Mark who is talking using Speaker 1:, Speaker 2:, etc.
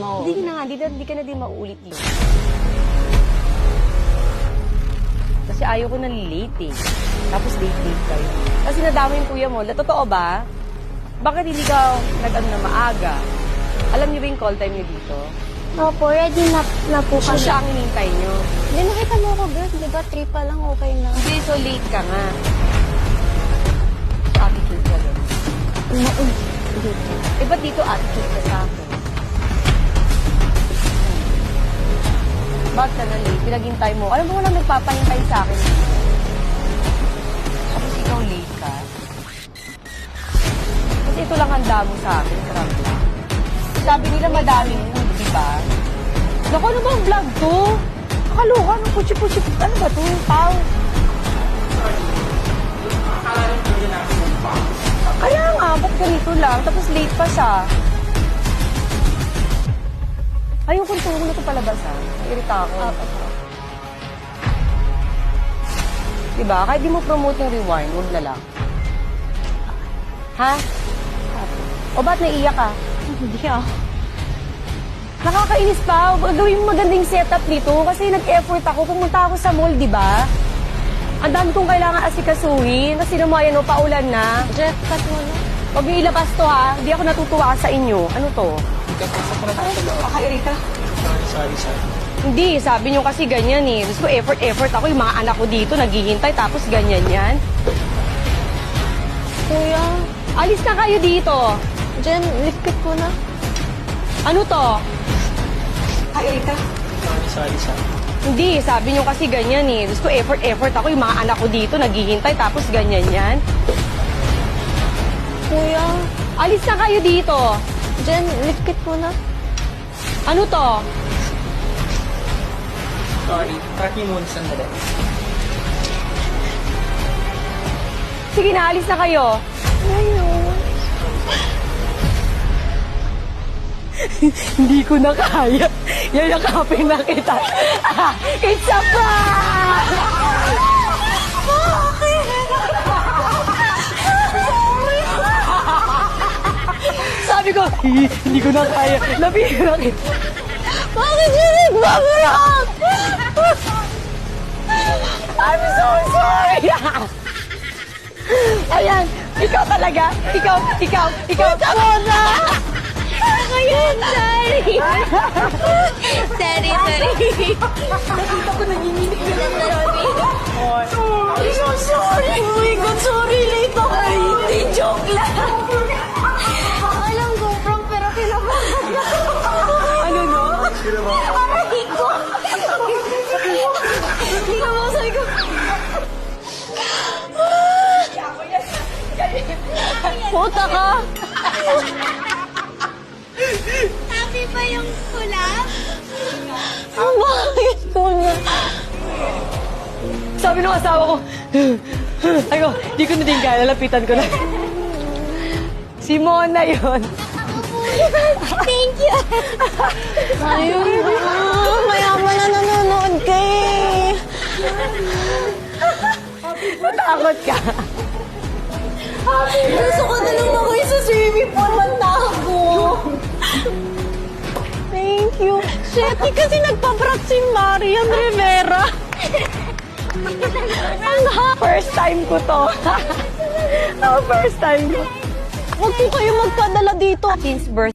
Speaker 1: No.
Speaker 2: Hindi na nga, hindi ka na din mauulit yun. Kasi ayaw ko na late eh. Tapos late kayo. Kasi nadama yung kuya mo. Totoo ba? Bakit hindi ka nag-ano na maaga? Alam niyo ba yung call time niyo dito?
Speaker 3: Opo, ready na po
Speaker 2: So
Speaker 3: kami.
Speaker 2: siya ang hinintay niyo.
Speaker 3: Hindi, nakita mo ako, girl. Di ba, 3 pa lang, okay na.
Speaker 2: Hindi, so late ka nga. Attitude ka doon.
Speaker 3: Dito.
Speaker 2: Eh, ba't dito attitude ka sa akin? Bakit ka na late? Pinaghintay mo. Alam mo, walang nagpapahintay sa akin. Tapos ikaw late ka. Kasi ito lang handa mo sa akin. Sarap lang. Sabi nila madaming food, di ba? Naku, ano ba ang vlog to? Nakaloka, ano, puchi-puchi. Ano ba to? Pau. Kaya nga, ba't ganito lang? Tapos late pa siya. Ayun, kung tuwag na ito palabas, ha? Irita ako. Diba? Kahit di mo promote yung rewind, huwag na lang. Ha? O ba't naiiyak ka?
Speaker 3: Hindi ako.
Speaker 2: Nakakainis pa. Gawin mo magandang setup dito kasi nag-effort ako. Pumunta ako sa mall, di ba? Ang dami kong kailangan asikasuhin. Kasi naman, yan o, paulan na.
Speaker 3: Jeff, cut mo na.
Speaker 2: Huwag niyo ilabas to, ha? Hindi ako natutuwa sa inyo. Ano to? Kakairita.
Speaker 1: Sorry.
Speaker 2: Hindi, sabi niyo kasi ganyan eh. Gusto ko effort ako. Yung mga anak ko dito, naghihintay, tapos ganyan yan.
Speaker 3: Kuya,
Speaker 2: Alis na kayo dito.
Speaker 3: Jen, lipit ko na.
Speaker 2: Ano to? Kakairita.
Speaker 1: Sorry.
Speaker 2: Hindi, sabi niyo kasi ganyan eh. Gusto ko effort ako. Yung mga anak ko dito, naghihintay, tapos ganyan yan.
Speaker 3: Kuya,
Speaker 2: Alis na kayo dito.
Speaker 3: Jen, lipit ko na.
Speaker 2: Ano to?
Speaker 1: Sorry. Track niyo muna sandali.
Speaker 2: Sige na, alis na kayo.
Speaker 3: Ayun.
Speaker 2: Hindi ko na kaya. Yayakapin na kita. It's a prank! Sabi ko, hindi ko na kaya. Labihin na kita.
Speaker 3: Bakit yun nagbabarak?
Speaker 2: I'm so sorry. Ayan, ikaw talaga. Ikaw.
Speaker 3: Muna! Ayun, sorry. Sorry.
Speaker 2: Nakita ko nanginginig na lang.
Speaker 3: I'm so sorry. Oh my God, sorry. Late ako.
Speaker 2: Hindi, joke lang.
Speaker 3: Alam ko, prank, pero kinabahan ako.
Speaker 2: Ano no?
Speaker 3: Aray ko. Hindi ka mo, sabi ko. Puta ka.
Speaker 4: Happy ba yung kulap?
Speaker 3: Bakit ko na?
Speaker 2: Sabi ng asawa ko, ay ko, di ko na din kaya, lalapitan ko na. Si Mona yun.
Speaker 4: Thank you!
Speaker 3: Ayun na. Mayaman na nanonood ka eh.
Speaker 2: Natakot ka.
Speaker 3: Gusto ko na lang ako sa swimming pool. Matago. Thank you. Shit, kasi nagpa-prank si Marian Rivera.
Speaker 2: First time ko to. First time ko.
Speaker 3: Huwag po kayo magpadala dito.
Speaker 2: Since birth,